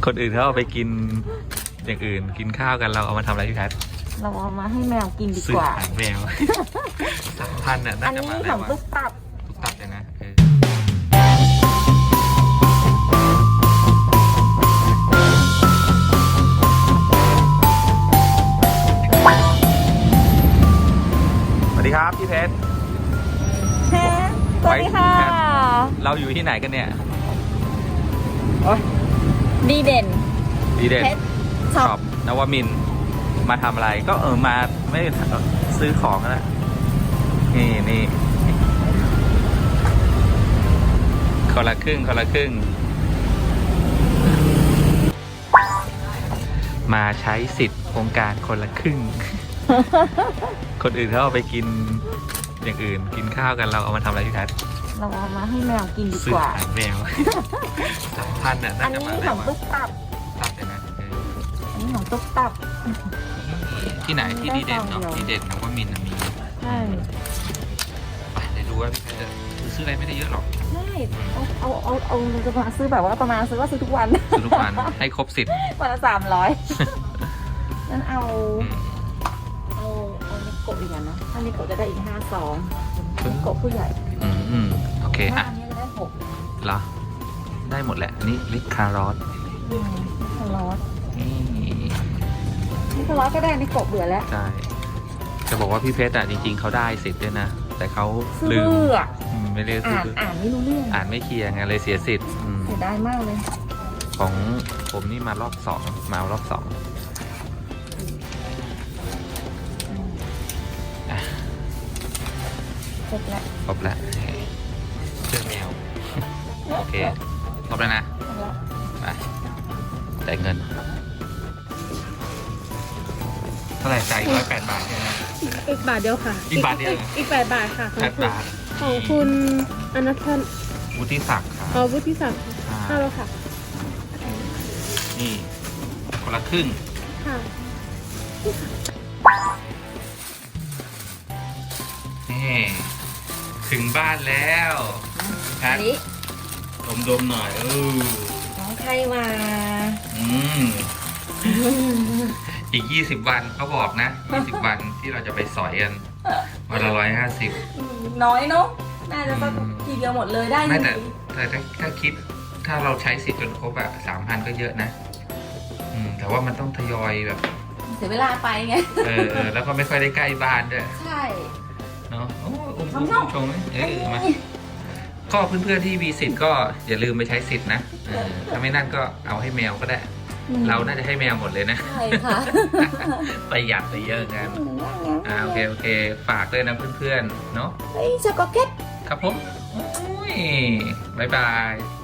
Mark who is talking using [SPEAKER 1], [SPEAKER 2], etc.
[SPEAKER 1] คนอื่นเขาเอาไปกินอย่างอื่นกินข้าวกันเราเอามาทำอะไรพี่แพท
[SPEAKER 2] เราเอามาให้แมวกินดี
[SPEAKER 1] ซื้อก
[SPEAKER 2] ว่า
[SPEAKER 1] อาหารแมว 3,000น่ะน่า
[SPEAKER 2] อัน
[SPEAKER 1] จะ
[SPEAKER 2] นี้
[SPEAKER 1] มา
[SPEAKER 2] ข
[SPEAKER 1] แล้
[SPEAKER 2] อ
[SPEAKER 1] ว
[SPEAKER 2] ง
[SPEAKER 1] อะ
[SPEAKER 2] ตุ๊กตับ
[SPEAKER 1] ทุกตับเลยนะสวัสดีครับพี่เพชร
[SPEAKER 2] สวัสดีค่ะ
[SPEAKER 1] เราอยู่ที่ไหนกันเนี่ย
[SPEAKER 2] ดีเด่น
[SPEAKER 1] ดีเด่น
[SPEAKER 2] เพชรช็
[SPEAKER 1] ช็
[SPEAKER 2] อ
[SPEAKER 1] อ
[SPEAKER 2] ป
[SPEAKER 1] ปนวมินทร์มาทำอะไรก็มาไม่ซื้อของนะนี่คนละครึ่งมาใช้สิทธิ์โครงการคนละครึ่ง คนอื่นเขาเอาไปกินอย่างอื่นกินข้าวกันเราเอามาทำอะไรพี่แพท
[SPEAKER 2] เราเอามาให้แมวกินดี
[SPEAKER 1] ซื้อก
[SPEAKER 2] ว่า
[SPEAKER 1] อาหารแมว 3,000น่ะ
[SPEAKER 2] อั
[SPEAKER 1] น่าน จะ
[SPEAKER 2] นี้
[SPEAKER 1] มา
[SPEAKER 2] ข
[SPEAKER 1] แล้
[SPEAKER 2] อ
[SPEAKER 1] ว
[SPEAKER 2] ง
[SPEAKER 1] อะ
[SPEAKER 2] ตุ๊กตับ
[SPEAKER 1] ตับเลยนะ
[SPEAKER 2] อันนี้ของตุ๊กตับ
[SPEAKER 1] ที่ไหนที่ดีเด่นเนาะ
[SPEAKER 2] ได้ซองเดียว
[SPEAKER 1] ดีเด่นนวมินทร์น่ะมี
[SPEAKER 2] ใช่
[SPEAKER 1] ไปเดี๋ยวดูว่าพี่แพทจะซื้ออะไรไม่ได้เยอะหรอก
[SPEAKER 2] ใช่เอาจะมาซื้อแบบว่าประมาณซื้อทุกวัน
[SPEAKER 1] ซื้อทุกวันให้ครบ10
[SPEAKER 2] วันละ300นั่นเอานิโกะอีกอันนะถ้านิโกะจะได้อีก5 ซองนิโกะผู้ใหญ่
[SPEAKER 1] โอเค
[SPEAKER 2] ถ้า
[SPEAKER 1] อ่ะ
[SPEAKER 2] อันนี้จะได้6
[SPEAKER 1] เหรอได้หมดแหละอันนี้ลิคารอส
[SPEAKER 2] นิโคลอส
[SPEAKER 1] นี่
[SPEAKER 2] นิโคลอสก็ได้นิโกะเบื่อแล้ว
[SPEAKER 1] ใช่จะบอกว่าพี่เพชรอ่ะจริงๆเขาได้สิทธิ์ด้วยนะแต่เขา
[SPEAKER 2] ซื้อ
[SPEAKER 1] ลืม
[SPEAKER 2] เบื่อ
[SPEAKER 1] ไม่เรียกซื้อ
[SPEAKER 2] อ่านไม่รู้เรื่อง
[SPEAKER 1] อ่านไม่เคลียร์ไงเลยเสียสิทธิ์
[SPEAKER 2] เสียดายมากเลย
[SPEAKER 1] ของผมนี่มารอบ2มารอบ2อ่ะ
[SPEAKER 2] เสร็จแล้ว
[SPEAKER 1] ครบแล้วเชื่อแมวโอเคครบแล้วนะ
[SPEAKER 2] เสร็จแล้ว
[SPEAKER 1] ไปจ่ายเงินเท่าไหร่จ่าย108 บาทใช่ไหม
[SPEAKER 3] อีกบาทเดียวค่ะ
[SPEAKER 1] อีกบาทเดียวเหรอ
[SPEAKER 3] อีก8 บาทค่ะ
[SPEAKER 1] 8 บาท
[SPEAKER 3] ของคุณอนัทพันธ์
[SPEAKER 1] วุฒิศักดิ์ครับ
[SPEAKER 3] วุฒิศักดิ์เข้าแล้วค่ะ
[SPEAKER 1] นี่คนละครึ่ง
[SPEAKER 3] ค่ะ
[SPEAKER 1] นี่ถึงบ้านแล้วแพ
[SPEAKER 2] อั
[SPEAKER 1] ท
[SPEAKER 2] นนี้
[SPEAKER 1] ดมหน่อย
[SPEAKER 2] น้องใครมา
[SPEAKER 1] อืมอีก20 วันเขาบอกนะ20 วันที่เราจะไปสอยกันวันละ150
[SPEAKER 2] น้อยเนาะน่าจะสักทีเดียวหมดเลยได้
[SPEAKER 1] ไม่
[SPEAKER 2] อยู่
[SPEAKER 1] แต่ถ้าคิดถ้าเราใช้สิทธิ์จนครบอะ3,000 ก็เยอะนะแต่ว่ามันต้องทยอยแบบ
[SPEAKER 2] เสียเวลาไปไง
[SPEAKER 1] แล้วก็ไม่ค่อยได้ใกล้บ้านด้วย
[SPEAKER 2] ใช่
[SPEAKER 1] เนาะโอ้อุ้ม
[SPEAKER 2] ชม
[SPEAKER 1] ชงมาก็เพื่อนๆที่มีสิทธิ์ก็อย่าลืมไปใช้สิทธิ์นะถ้าไม่นั่นก็เอาให้แมวก็ได้ เราน่าจะให้แมวหมดเลยนะ
[SPEAKER 2] ใช่ค่ะ
[SPEAKER 1] ประหยัดไปเยอะกันโอเคฝากด้วยนะเพื่อนๆเนาะ
[SPEAKER 2] เฮ้ยช็อกโกแลต
[SPEAKER 1] ครับผมโอ้ยบายบาย